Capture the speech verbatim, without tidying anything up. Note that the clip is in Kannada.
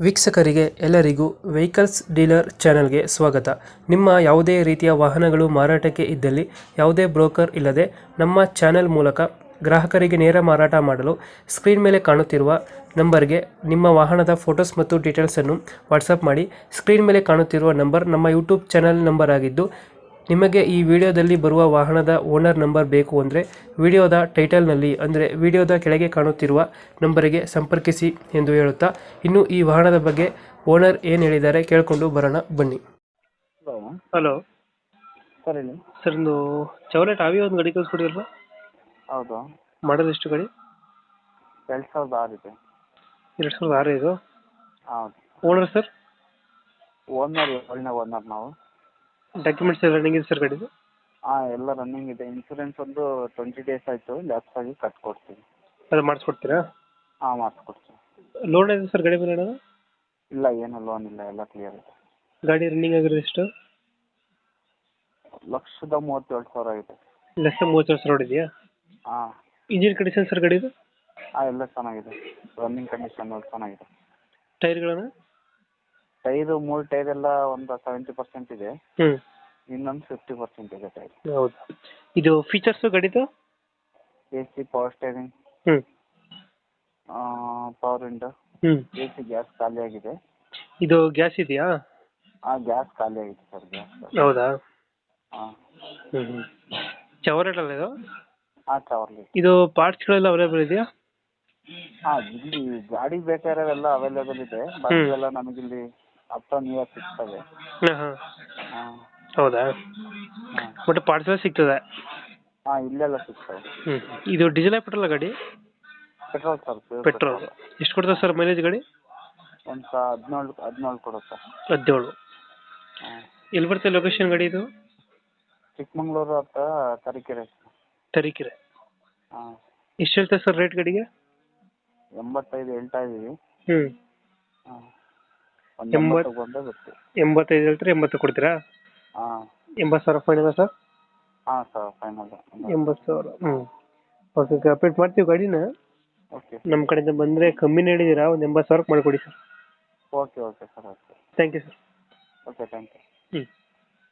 ವೀಕ್ಷಕರಿಗೆ ಎಲ್ಲರಿಗೂ ವೆಹಿಕಲ್ಸ್ ಡೀಲರ್ ಚಾನೆಲ್ಗೆ ಸ್ವಾಗತ. ನಿಮ್ಮ ಯಾವುದೇ ರೀತಿಯ ವಾಹನಗಳು ಮಾರಾಟಕ್ಕೆ ಇದ್ದಲ್ಲಿ ಯಾವುದೇ ಬ್ರೋಕರ್ ಇಲ್ಲದೆ ನಮ್ಮ ಚಾನೆಲ್ ಮೂಲಕ ಗ್ರಾಹಕರಿಗೆ ನೇರ ಮಾರಾಟ ಮಾಡಲು ಸ್ಕ್ರೀನ್ ಮೇಲೆ ಕಾಣುತ್ತಿರುವ ನಂಬರ್ಗೆ ನಿಮ್ಮ ವಾಹನದ ಫೋಟೋಸ್ ಮತ್ತು ಡೀಟೇಲ್ಸನ್ನು ವಾಟ್ಸಪ್ ಮಾಡಿ. ಸ್ಕ್ರೀನ್ ಮೇಲೆ ಕಾಣುತ್ತಿರುವ ನಂಬರ್ ನಮ್ಮ ಯೂಟ್ಯೂಬ್ ಚಾನೆಲ್ ನಂಬರ್ ಆಗಿದ್ದು, ನಿಮಗೆ ಈ ವಿಡಿಯೋದಲ್ಲಿ ಬರುವ ವಾಹನದ ಓನರ್ ನಂಬರ್ ಬೇಕು ಅಂದರೆ ವಿಡಿಯೋದ ಟೈಟಲ್ನಲ್ಲಿ ಅಂದರೆ ವಿಡಿಯೋದ ಕೆಳಗೆ ಕಾಣುತ್ತಿರುವ ನಂಬರಿಗೆ ಸಂಪರ್ಕಿಸಿ ಎಂದು ಹೇಳುತ್ತಾ, ಇನ್ನು ಈ ವಾಹನದ ಬಗ್ಗೆ ಓನರ್ ಏನು ಹೇಳಿದ್ದಾರೆ ಕೇಳಿಕೊಂಡು ಬರೋಣ ಬನ್ನಿ. ಹಲೋ ಹಲೋ ಸರ್ ಹೇಳಿ. ಸರ್, ಒಂದು ಚವಲೆಟ್ ಆವಿ ಒಂದು ಗಾಡಿ ಕಳಿಸ್ಕೊಡಿರಲ್ಲ, ಹೌದು, ಮಾಡೋದು ಎಷ್ಟು ಗಾಡಿ? ಎರಡು ಸಾವಿರದ ಆರು ಇದೆ. ಎರಡು ಸಾವಿರದ ಆರು ಇದು. ಹೌದು. Owner sir? ಓನರ್ ಏಳನೇ ಓನರ್ ನಾವು. ಡಾಕ್ಯುಮೆಂಟ್ಸ್ ಎಲ್ಲ ರನ್ನಿಂಗ್ ಇದೆ ಸರ್ ಗಾಡಿದು? ಹಾಂ, ಎಲ್ಲ ರನ್ನಿಂಗ್ ಇದೆ. ಇನ್ಸೂರೆನ್ಸ್ ಒಂದು ಟ್ವೆಂಟಿ ಡೇಸ್ ಆಯಿತು, ಲ್ಯಾಪ್ಸ್ ಆಗಿ ಕಟ್ಕೊಡ್ತೀವಿ. ಅದು ಮಾಡಿಸ್ಕೊಡ್ತೀರಾ? ಹಾಂ, ಮಾಡಿಸ್ಕೊಡ್ತೀವಿ. ಲೋನ್ ಇದೆ ಸರ್ ಗಾಡಿ ಮೇಲೆ ಏನಾದ್ರು? ಇಲ್ಲ, ಏನು ಲೋನ್ ಇಲ್ಲ, ಎಲ್ಲ ಕ್ಲಿಯರ್ ಇದೆ. ಗಾಡಿ ರನ್ನಿಂಗ್ ಆಗಿರೋದು ಎಷ್ಟು? ಲಕ್ಷದ ಮೂವತ್ತೇಳು ಸಾವಿರ ಆಗಿದೆ. ಲಕ್ಷ ಮೂವತ್ತು ಸಾವಿರ ಹೊಡಿದೆಯಾ? ಹಾಂ. ಇಂಜಿನ್ ಕಂಡೀಷನ್ ಸರ್ ಗಾಡಿದು? ಹಾಂ, ಎಲ್ಲ ಚೆನ್ನಾಗಿದೆ. ರನ್ನಿಂಗ್ ಕಂಡೀಷನ್ ಚೆನ್ನಾಗಿದೆ. ಟೈರ್ಗಳನ್ನು? ಟೈರು ಮೂರು ಟೈರ್ ಎಲ್ಲ ಒಂದು ಸೆವೆಂಟಿ ಪರ್ಸೆಂಟ್ ಇದೆ, ಹ್ಞೂ, ಇನ್ನೊಂದು ಫಿಫ್ಟಿ ಪರ್ಸೆಂಟ್ ಇದೆ ಟೈರ್. ಹೌದು. ಇದು ಫೀಚರ್ಸು ಗಾಡಿದು? ಎ ಸಿ, ಪವರ್ ಸ್ಟೇರಿಂಗ್, ಹ್ಞೂ, ಪವರ್ ವಿಂಡೋ, ಹ್ಞೂ. ಎ ಸಿ ಗ್ಯಾಸ್ ಖಾಲಿ ಆಗಿದೆ. ಇದು ಗ್ಯಾಸ್ ಇದೆಯಾ? ಹಾಂ, ಗ್ಯಾಸ್ ಖಾಲಿ ಆಗಿದೆ ಸರ್, ಗ್ಯಾಸ್. ಹೌದಾ? ಹಾಂ. ಹ್ಞೂ ಹ್ಞೂ. ಚವರೇಟ್ ಅಲ್ಲ ಇದು? ಹಾಂ, ಚವರ್ಲಿ. ಇದು ಪಾರ್ಟ್ಸ್ಗಳೆಲ್ಲ ಅವೈಲೇಬಲ್ ಇದೆಯಾ? ಹಾಂ, ಇಲ್ಲಿ ಗಾಡಿ ಬೇಕಾಗಿರೋವೆಲ್ಲ ಅವೈಲೇಬಲ್ ಇದೆ. ಎಲ್ಲ ನಮಗಿಲ್ಲಿ ಹತ್ತು ನಿಯರ್ ಸಿಗ್ತವೆ. ಹಾಂ ಹಾಂ. ಹಾಂ. ಹೌದಾ? ಹಾಂ. ಬಟ್ ಪಾರ್ಟ್ಸ್ ಎಲ್ಲ ಸಿಗ್ತದೆ? ಹಾಂ, ಇಲ್ಲೆಲ್ಲ ಸಿಗ್ತವೆ. ಹ್ಞೂ. ಇದು ಡೀಸೆಲ್ ಪೆಟ್ರೋಲ್ ಗಾಡಿ? Petrol sir. ಪೆಟ್ರೋಲ್. ಎಷ್ಟು ಕೊಡ್ತದೆ ಸರ್ ಮೈಲೇಜ್ ಗಾಡಿ? ಒಂದು ಸ ಹದಿನೇಳು ಹದಿನೇಳು ಕೊಡುತ್ತೆ. ಹದಿನೇಳು. ಹಾಂ. ಎಲ್ಲಿ ಬರುತ್ತೆ ಲೊಕೇಶನ್ ಗಾಡಿ ಇದು? ಚಿಕ್ಕಮಂಗ್ಳೂರು ಹತ್ರ ತರೀಕೆರೆ. ತರೀಕೆರೆ. ಹಾಂ. ಎಷ್ಟು ಹೇಳ್ತಾರೆ ಸರ್ ರೇಟ್ ಗಾಡಿಗೆ? ಎಂಬತ್ತೈದು ಹೇಳ್ತಾ ಇದ್ದೀವಿ. ಹ್ಞೂ. ಹಾಂ, ಒಂದು ಎಂಬತ್ತು ಬಂದೇ ಗೊತ್ತು. ಎಂಬತ್ತೈದು ಹೇಳ್ತಾರೆ, ಎಂಬತ್ತು ಕೊಡ್ತೀರಾ? ಹಾಂ. ಎಂಬತ್ತು ಸಾವಿರ ಫೈನಲ್ ಸರ್? ಹಾಂ ಸರ್, ಫೈನಲ್ ಎಂಬತ್ತು ಸಾವಿರ. ಹ್ಞೂ, ಓಕೆ ಓಕೆ, ಅಪ್ಡೇಟ್ ಮಾಡ್ತೀವಿ ಗಾಡಿನ. ಓಕೆ. ನಮ್ಮ ಕಡೆಯಿಂದ ಬಂದರೆ ಕಮ್ಮಿನೇ ಹೇಳಿದ್ದೀರಾ, ಒಂದು ಎಂಬತ್ತು ಸಾವಿರಕ್ಕೆ ಮಾಡಿಕೊಡಿ sir. Okay okay sir, okay. Thank you sir. Okay, thank you. ಹ್ಞೂ.